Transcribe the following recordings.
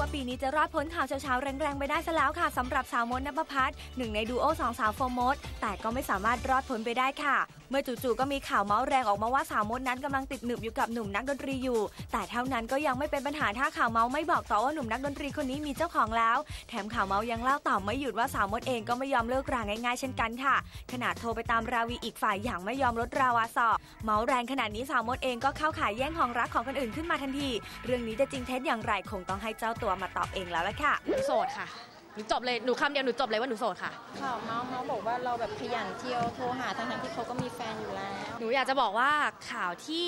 ว่าปีนี้จะรอดพ้นข่าวเช้าๆแรงๆไปได้ซะแล้วค่ะสำหรับสาวมด ณภพัฒน์หนึ่งในดูโอสองสาวโฟร์มดแต่ก็ไม่สามารถรอดพ้นไปได้ค่ะเมื่อจู่ๆก็มีข่าวเมาส์แรงออกมาว่าสาวมดนั้นกำลังติดหนึบอยู่กับหนุ่มนักดนตรีอยู่แต่เท่านั้นก็ยังไม่เป็นปัญหาถ้าข่าวเมาส์ไม่บอกต่อว่าหนุ่มนักดนตรีคนนี้มีเจ้าของแล้วแถมข่าวเมาส์ยังเล่าต่อไม่หยุดว่าสาวมดเองก็ไม่ยอมเลิกราง่ายๆเช่นกันค่ะขนาดโทรไปตามราวีอีกฝ่ายอย่างไม่ยอมลดราวาสอเมาส์แรงขนาดนี้สาวมดเองก็เข้าขายแย่งของรักของคนอื่นขึ้นมาทันทีเรื่องนี้จะจริงเท็จอย่างไรคงต้องให้เจ้าตัวมาตอบเองแล้วล่ะค่ะหนูโสดค่ะหนูจบเลยหนูคำเดียวหนูจบเลยว่าหนูโสดค่ะข่าวเมาส์บอกว่าเราแบบขยันเที่ยวโทรหาทั้งที่เขาก็มีแฟนอยู่แล้วหนูอยากจะบอกว่าข่าวที่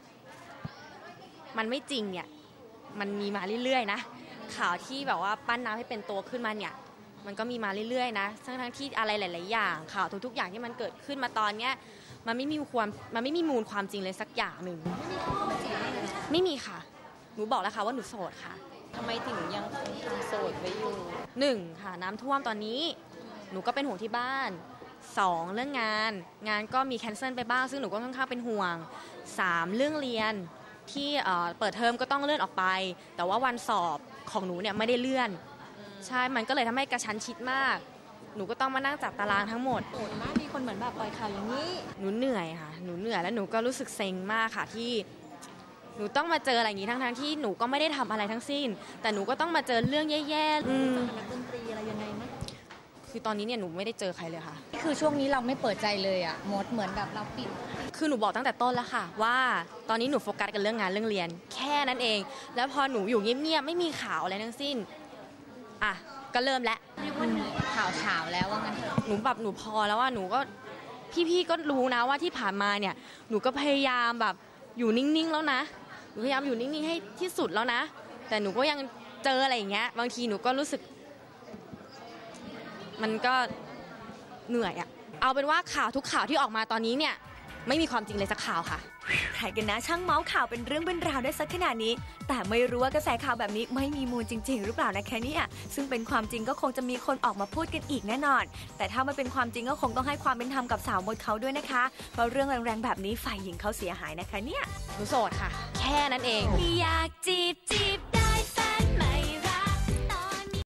มันไม่จริงเนี่ยมันมีมาเรื่อยๆนะข่าวที่แบบว่าปั้นน้ำให้เป็นตัวขึ้นมาเนี่ยมันก็มีมาเรื่อยๆนะทั้งที่อะไรหลายๆอย่างข่าวทุกๆอย่างที่มันเกิดขึ้นมาตอนเนี้ยมันไม่มีมูลความจริงเลยสักอย่างหนึ่งไม่มีค่ะหนูบอกแล้วค่ะว่าหนูโสดค่ะทำไมถึงยังคงโสดไว้อยู่ 1ค่ะน้ำท่วมตอนนี้หนูก็เป็นห่วงที่บ้าน2เรื่องงานก็มีแคนเซิลไปบ้างซึ่งหนูก็ค่อนข้างเป็นห่วง3เรื่องเรียนที่เปิดเทอมก็ต้องเลื่อนออกไปแต่ว่าวันสอบของหนูเนี่ยไม่ได้เลื่อนใช่มันก็เลยทำให้กระชั้นชิดมากหนูก็ต้องมานั่งจัดตารางทั้งหมดโหดมากมีคนเหมือนแบบปล่อยข่าวอย่างนี้หนูเหนื่อยค่ะหนูเหนื่อยแล้วหนูก็รู้สึกเซ็งมากค่ะที่หนูต้องมาเจออะไรอย่างนี้ทั้งที่หนูก็ไม่ได้ทำอะไรทั้งสิ้นแต่หนูก็ต้องมาเจอเรื่องแย่ๆนักดนตรีอะไรยังไงนะคือตอนนี้เนี่ยหนูไม่ได้เจอใครเลยค่ะคือช่วงนี้เราไม่เปิดใจเลยอ่ะมดเหมือนแบบเราปิดคือหนูบอกตั้งแต่ต้นแล้วค่ะว่าตอนนี้หนูโฟกัสกับเรื่องงานเรื่องเรียนแค่นั้นเองแล้วพอหนูอยู่เงียบๆไม่มีข่าวอะไรทั้งสิ้นอ่ะก็เริ่มแล้วเรียกว่าข่าวเฉาแล้วว่างั้นหนูแบบหนูพอแล้วว่าหนูก็พี่ๆก็รู้นะว่าที่ผ่านมาเนี่ยหนูก็พยายามแบบอยู่นิ่งๆแล้วนะหนูพยายามอยู่นิ่งๆให้ที่สุดแล้วนะแต่หนูก็ยังเจออะไรอย่างเงี้ยบางทีหนูก็รู้สึกมันก็เหนื่อยอะเอาเป็นว่าข่าวทุกข่าวที่ออกมาตอนนี้เนี่ยไม่มีความจริงเลยสักข่าวค่ะใครกันนะช่างเมาส์ข่าวเป็นเรื่องเป็นราวได้สักขนาดนี้แต่ไม่รู้ว่ากระแสข่าวแบบนี้ไม่มีมูลจริงๆหรือเปล่านะคะเนี่ยซึ่งเป็นความจริงก็คงจะมีคนออกมาพูดกันอีกแน่นอนแต่ถ้ามันเป็นความจริงก็คงต้องให้ความเป็นธรรมกับสาวมดเขาด้วยนะคะเพราะเรื่องแรงๆแบบนี้ฝ่ายหญิงเขาเสียหายนะคะเนี่ยหนูโสดค่ะแค่นั้นเองอยากจีบ